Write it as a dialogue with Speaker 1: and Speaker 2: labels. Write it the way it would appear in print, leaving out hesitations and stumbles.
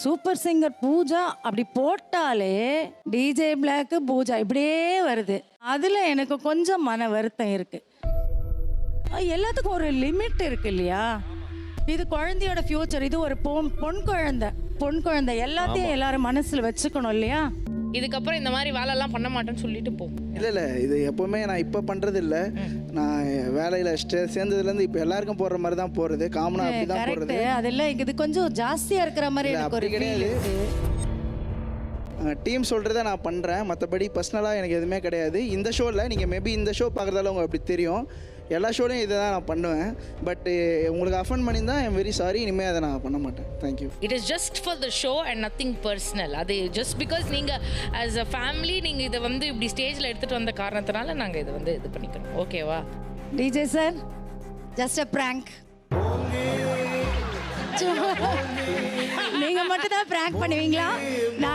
Speaker 1: Super singer Pooja அப்படி போட்டாலே DJ black Pooja இப்படியே வருது. அதுல எனக்கு கொஞ்சம் மன வருத்தம் இருக்கு. எல்லாத்துக்கும் ஒரு லிமிட் இருக்கு இல்லையா? இது குழந்தையோட ஃபியூச்சர். இது ஒரு பொன் குழந்தை எல்லாத்தையும் எல்லாரும் மனசுல வச்சுக்கணும் இல்லையா?
Speaker 2: இதுக்கப்புறம் இந்த மாதிரி வேலைலாம் பண்ண மாட்டேன்னு சொல்லிட்டு போ.
Speaker 3: இல்லை இது எப்போவுமே நான் இப்போ பண்ணுறது இல்லை. நான் வேலையில் சேர்ந்ததுலேருந்து இப்போ எல்லாருக்கும் போடுற மாதிரி தான் போகிறது. காமனாக அப்படி தான் போடுறது.
Speaker 1: அதெல்லாம் இது கொஞ்சம் ஜாஸ்தியாக இருக்கிற மாதிரி எனக்கு ஒரு
Speaker 3: கிடையாது. டீம் சொல்கிறத நான் பண்ணுறேன், மற்றபடி பர்சனலாக எனக்கு எதுவுமே கிடையாது. இந்த ஷோவில் நீங்கள் மேபி இந்த ஷோ பார்க்குறதால உங்களுக்கு அப்படி தெரியும். எல்லா ஷோலையும் இதை தான் நான் பண்ணுவேன். பட் உங்களுக்கு அஃபன் பண்ணியிருந்தா ஐம் வெரி சாரி. இனிமேல் அதை நான் பண்ண மாட்டேன். Thank you.
Speaker 2: It is just for the show and nothing personal. அது ஜஸ்ட் பிகாஸ் நீங்கள் ஆஸ் அ ஃபேமிலி நீங்கள் இதை வந்து இப்படி ஸ்டேஜில் எடுத்துகிட்டு வந்த காரணத்தினால நாங்கள் இதை வந்து இது பண்ணிக்கிறோம். ஓகேவா?
Speaker 1: DJ sir, just a prank. நீங்க மட்டும் தான் பிராங்க் பண்ணுவீங்களா?